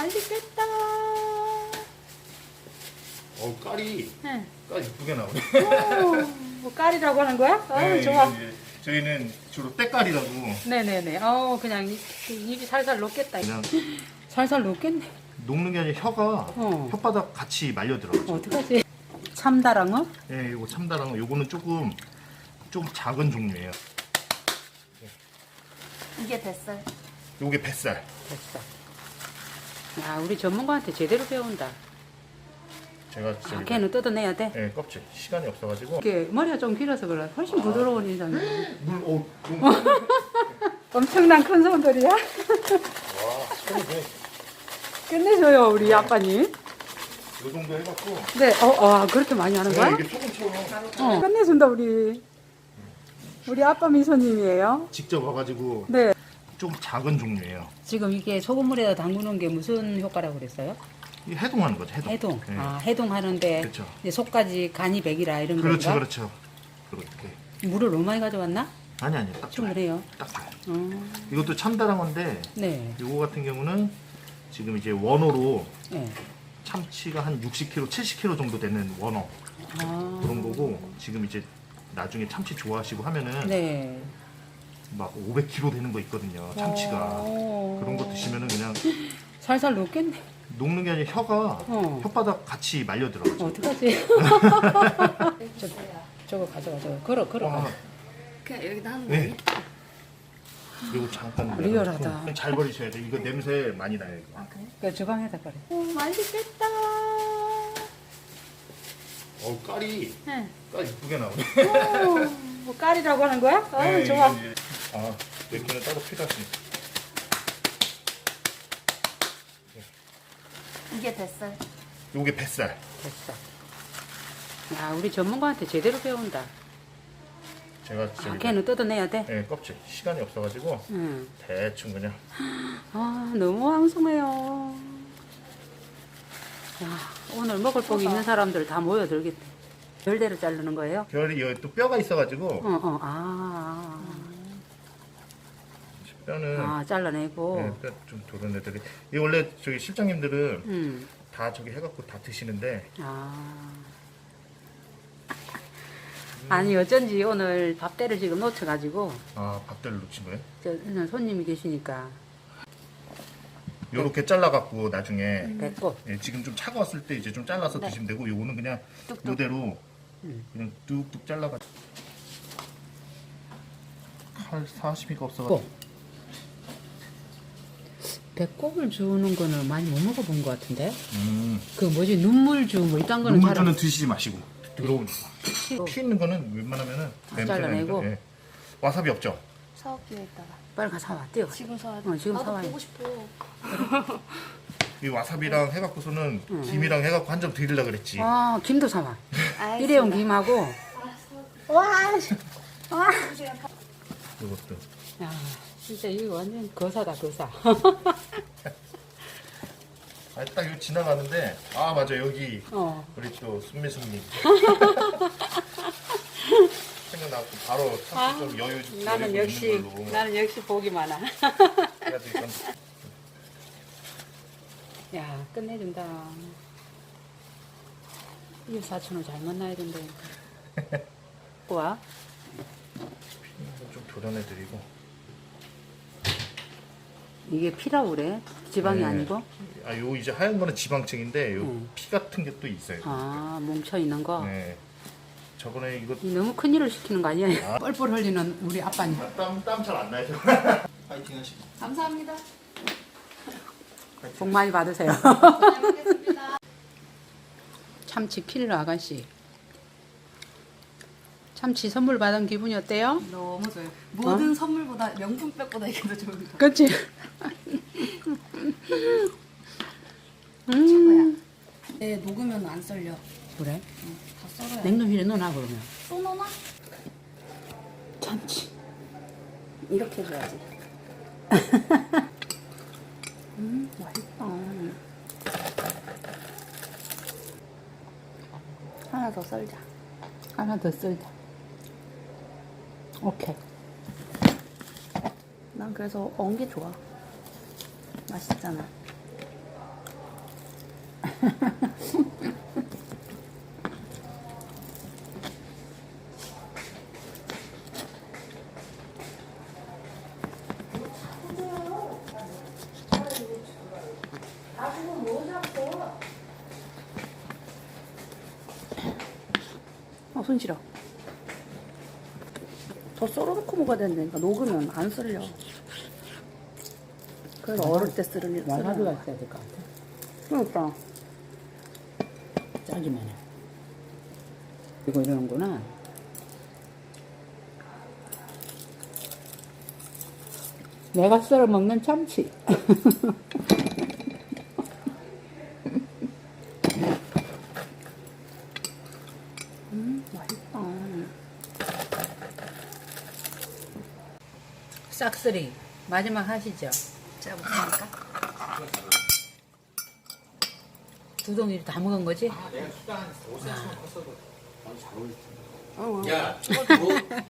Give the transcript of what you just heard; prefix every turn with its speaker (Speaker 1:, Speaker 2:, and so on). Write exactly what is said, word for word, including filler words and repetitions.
Speaker 1: 맛있겠다.
Speaker 2: 어 까리.
Speaker 1: 네.
Speaker 2: 까리 이쁘게 나오네.
Speaker 1: 오, 뭐 까리라고 하는 거야? 어,
Speaker 2: 네,
Speaker 1: 좋아.
Speaker 2: 이거 이제 저희는 주로 때까리라고.
Speaker 1: 네네네. 어, 그냥 입, 입이 살살 녹겠다.
Speaker 2: 그냥
Speaker 1: 살살 녹겠네.
Speaker 2: 녹는 게 아니라 혀가
Speaker 1: 어.
Speaker 2: 혓바닥 같이 말려 들어가죠.
Speaker 1: 어떡하지? 참다랑어?
Speaker 2: 예, 이거 참다랑 요거는 조금 좀 작은 종류예요.
Speaker 3: 이게 뱃살.
Speaker 2: 요게 뱃살.
Speaker 1: 됐어. 야, 우리 전문가한테 제대로 배운다.
Speaker 2: 제가
Speaker 1: 아,
Speaker 2: 저기
Speaker 1: 걔는 뜯어내야 돼?
Speaker 2: 예, 껍질 시간이 없어가지고.
Speaker 1: 이게 머리가 좀 길어서 그래. 훨씬 부드러운 인상이야.
Speaker 2: 물, 어, 너무.
Speaker 1: 엄청난 큰 손들이야?
Speaker 2: 와, 손이 그냥
Speaker 1: 끝내줘요, 우리 아빠님.
Speaker 2: 요 정도 해갖고.
Speaker 1: 네, 어, 어, 그렇게 많이 하는 거야?
Speaker 2: 네, 이게 소금처럼
Speaker 1: 어, 끝내준다, 우리. 우리 아빠 미소님이에요.
Speaker 2: 직접 와가지고
Speaker 1: 네.
Speaker 2: 좀 작은 종류예요.
Speaker 1: 지금 이게 소금물에다 담그는 게 무슨 효과라고 그랬어요?
Speaker 2: 이 해동하는 거죠, 해동.
Speaker 1: 해동.
Speaker 2: 예.
Speaker 1: 아, 해동하는데
Speaker 2: 그렇죠.
Speaker 1: 이제 속까지 간이 백이라 이런
Speaker 2: 그렇죠,
Speaker 1: 건가?
Speaker 2: 그렇죠. 그렇게.
Speaker 1: 물을 너무 많이 가져왔나?
Speaker 2: 아니 아니, 딱 좋아요.
Speaker 1: 충분해요.
Speaker 2: 딱 좋아요.
Speaker 1: 어,
Speaker 2: 이것도 참다랑어인데
Speaker 1: 네.
Speaker 2: 요거 같은 경우는 지금 이제 원어로
Speaker 1: 네.
Speaker 2: 참치가 한 육십 킬로그램, 칠십 킬로그램 정도 되는 원어
Speaker 1: 아,
Speaker 2: 그런 거고, 지금 이제 나중에 참치 좋아하시고 하면은
Speaker 1: 네.
Speaker 2: 막 오백 킬로그램 되는 거 있거든요. 참치가.
Speaker 1: 어.
Speaker 2: 그런 거 드시면은 그냥
Speaker 1: 살살 녹겠네.
Speaker 2: 녹는 게 아니라 혀가
Speaker 1: 어.
Speaker 2: 혓바닥 같이 말려 들어가죠.
Speaker 1: 어떡하지? 저, 저거 가져가, 저거. 걸어, 걸어.
Speaker 2: 와,
Speaker 3: 그냥 여기다 하는 거
Speaker 2: 네.
Speaker 3: 아니야?
Speaker 2: 이거 잠깐
Speaker 1: 리얼하다.
Speaker 2: 내려놓고 잘 버리셔야 돼. 이거 냄새 많이 나요. 이거.
Speaker 3: 아 그래?
Speaker 1: 그 주방에다 걸어. 오, 맛있겠다.
Speaker 2: 어 까리.
Speaker 1: 네.
Speaker 2: 까리 이쁘게 나오네.
Speaker 1: 오, 뭐 까리라고 하는 거야? 어,
Speaker 2: 네,
Speaker 1: 좋아.
Speaker 2: 이거 이제- 아, 맥주는 따로 필요하시니까.
Speaker 3: 이게 뱃살.
Speaker 2: 요게 뱃살.
Speaker 1: 됐어. 야, 우리 전문가한테 제대로 배운다.
Speaker 2: 제가
Speaker 1: 아,
Speaker 2: 저기
Speaker 1: 걔는 뜯어내야 돼?
Speaker 2: 네, 껍질 시간이 없어가지고
Speaker 1: 응.
Speaker 2: 대충 그냥.
Speaker 1: 아, 너무 황송해요. 야, 오늘 먹을 복이 있는 사람들 다 모여들겠대. 별대로 자르는 거예요?
Speaker 2: 결이 여기 또 뼈가 있어가지고
Speaker 1: 어, 어, 아.
Speaker 2: 뼈는
Speaker 1: 아, 잘라내고.
Speaker 2: 네, 뼈좀 도른 애들이. 이 원래 저기 실장님들은
Speaker 1: 음.
Speaker 2: 다 저기 해갖고 다 드시는데
Speaker 1: 아. 아니, 어쩐지 오늘 밥대를 지금 놓쳐가지고,
Speaker 2: 아 밥대를 놓친 거예요?
Speaker 1: 저, 그냥 손님이 계시니까,
Speaker 2: 요렇게 잘라갖고 나중에
Speaker 1: 뱉고.
Speaker 2: 예, 지금 좀 차가웠을 때 이제 좀 잘라서
Speaker 3: 네.
Speaker 2: 드시면 되고, 요거는 그냥
Speaker 3: 뚝뚝.
Speaker 2: 이대로
Speaker 1: 음.
Speaker 2: 그냥 뚝뚝 잘라가지고. 칼 사시미가
Speaker 1: 고.
Speaker 2: 없어가지고.
Speaker 1: 배꼽을 주는 거는 많이 못 먹어본 것 같은데?
Speaker 2: 음.
Speaker 1: 그 뭐지, 눈물주, 뭐 이딴 거는 잘
Speaker 2: 눈물주는 드시지 마시고 들어오니까.
Speaker 1: 안-
Speaker 2: 피 있는 거는 웬만하면은
Speaker 1: 아,
Speaker 2: 냄새가
Speaker 1: 잘라내고?
Speaker 2: 나니까, 예. 와사비 없죠?
Speaker 3: 사업기에 있다가.
Speaker 1: 빨리 가서 사와, 뛰어.
Speaker 3: 지금 사야 돼.
Speaker 1: 어, 지금
Speaker 3: 나도
Speaker 1: 사와요.
Speaker 3: 보고 싶어.
Speaker 2: 이 와사비랑 해갖고서는
Speaker 1: 음.
Speaker 2: 김이랑 해갖고 한 점 드리려고 그랬지.
Speaker 1: 아, 김도 사와.
Speaker 3: 알겠습니다.
Speaker 1: 일회용 김하고. 와, 씨. 와.
Speaker 2: 이것도.
Speaker 1: 야, 진짜 이거 완전 거사다, 거사.
Speaker 2: 아, 딱 이거 지나가는데, 아, 맞아, 여기,
Speaker 1: 어.
Speaker 2: 우리 또, 순미숙님. 생각나고, 바로 참치 좀 여유 좀
Speaker 1: 아, 나는
Speaker 2: 여유
Speaker 1: 역시,
Speaker 2: 있는 걸로.
Speaker 1: 나는 역시 복이 많아.
Speaker 2: 그래가지고 이건
Speaker 1: 야, 끝내준다. 이 사촌을 잘 만나야 된다. 와.
Speaker 2: 좀 도전해드리고.
Speaker 1: 이게 피라고 그래? 지방이
Speaker 2: 네.
Speaker 1: 아니고?
Speaker 2: 아, 요 이제 하얀 거는 지방층인데, 요
Speaker 1: 음.
Speaker 2: 피 같은 게 또 있어요.
Speaker 1: 아, 뭉쳐 있는 거?
Speaker 2: 네. 저번에 이거,
Speaker 1: 이 너무 큰 일을 시키는 거 아니야? 뻘뻘 흘리는 우리 아빠님.
Speaker 2: 땀, 땀 잘 안 나요. 파이팅 하시고.
Speaker 3: 감사합니다.
Speaker 1: 복 많이 받으세요.
Speaker 3: 잘 먹겠습니다.
Speaker 1: 참치 필러 아가씨. 참치 선물 받은 기분이 어때요?
Speaker 3: 너무 좋아요. 모든 선물보다 명품백보다 이게 더 좋은 거.
Speaker 1: 그치?
Speaker 3: 최고야. 네, 녹으면 안 썰려.
Speaker 1: 그래?
Speaker 3: 다 썰어야 돼.
Speaker 1: 냉동실에 넣어놔 그러면.
Speaker 3: 또 넣나?
Speaker 1: 참치.
Speaker 3: 이렇게 해줘야지.
Speaker 1: 음, 맛있다.
Speaker 3: 하나 더 썰자.
Speaker 1: 하나 더 썰자. 오케이.
Speaker 3: 난 그래서 엉게 좋아. 맛있잖아.
Speaker 1: 아, 손 시려. 더 썰어놓고 먹어야 된다니까. 녹으면 안 썰려. 그래서 어릴 때 쓰는 일.
Speaker 4: 말하기가 있어야 될 것 같아.
Speaker 1: 그러니까.
Speaker 4: 짜기만 해.
Speaker 1: 이거 이러는구나.
Speaker 4: 내가 썰어 먹는 참치.
Speaker 1: 음, 맛있다.
Speaker 4: 싹쓸이 마지막 하시죠.
Speaker 3: 제가 못하니까.
Speaker 4: 두 덩이 다 먹은 거지?
Speaker 3: 어, 어.